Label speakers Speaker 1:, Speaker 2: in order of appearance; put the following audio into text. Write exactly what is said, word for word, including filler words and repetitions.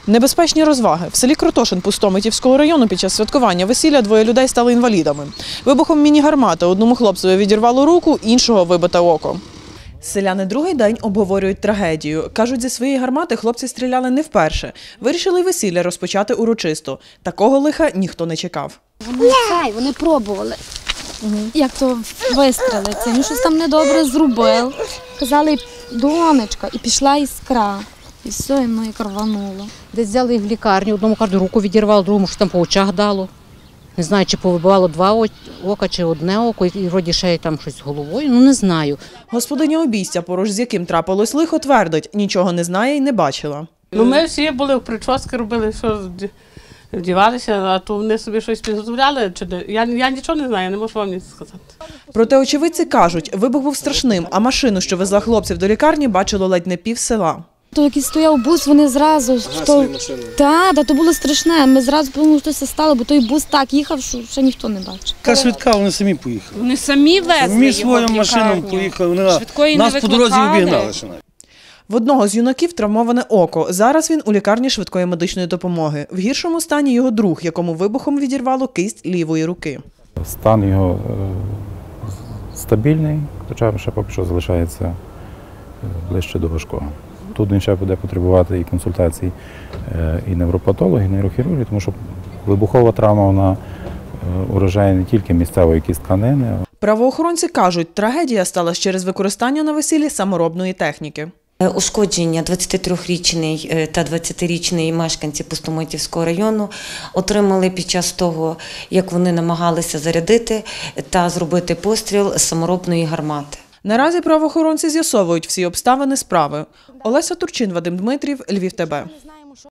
Speaker 1: Небезпечні розваги. В селі Кротошин Пустомитівського району під час святкування весілля двоє людей стали інвалідами. Вибухом міні-гармати одному хлопцеві відірвало руку, іншого вибите око. Селяни другий день обговорюють трагедію. Кажуть, зі своєї гармати хлопці стріляли не вперше. Вирішили й весілля розпочати урочисто. Такого лиха ніхто не чекав.
Speaker 2: Вони цей, вони пробували, угу. як то вистрелити. Він щось там недобре зробив. Казали, донечка, і пішла іскра. І все, і воно і рвануло.
Speaker 3: Десь взяли їх в лікарню, одному кажуть, руку відірвало, другому що там по очах дало. Не знаю, чи повибивало два ока, чи одне око, і вроді ще там щось з головою, ну не знаю.
Speaker 1: Господиня обійстя, поруч з яким трапилось лихо, твердить, нічого не знає і не бачила.
Speaker 4: Ну, ми всі були в прически, робили, що вдівалися, а то вони собі щось підготовляли. Чи не. Я, я нічого не знаю, не можу вам нічого сказати.
Speaker 1: Проте очевидці кажуть, вибух був страшним, а машину, що везла хлопців до лікарні, бачило ледь не пів села.
Speaker 2: То який стояв бус, вони зразу... То... Так, да, то було страшне. Ми зразу подумали, що це стало, бо той бус так їхав, що ще ніхто не бачив.
Speaker 5: Яка швидка, вони самі поїхали.
Speaker 6: Вони самі везли
Speaker 5: Ми
Speaker 6: його
Speaker 5: своїм машинам поїхали, вони нас по дорозі обігнали.
Speaker 1: В одного з юнаків травмоване око. Зараз він у лікарні швидкої медичної допомоги. В гіршому стані його друг, якому вибухом відірвало кисть лівої руки.
Speaker 7: Стан його стабільний, хоча ще поки що залишається ближче до важкого. Тут він ще буде потребувати і консультацій і невропатологів, і нейрохірургів, тому що вибухова травма, вона уражає не тільки місцевої кістканини.
Speaker 1: Правоохоронці кажуть, трагедія сталася через використання на весіллі саморобної техніки.
Speaker 8: Ушкодження двадцятитрирічний та двадцятирічний мешканці Пустомитівського району отримали під час того, як вони намагалися зарядити та зробити постріл з саморобної гармати.
Speaker 1: Наразі правоохоронці з'ясовують всі обставини справи. Олеся Турчин, Вадим Дмитрів, Львів ТБ.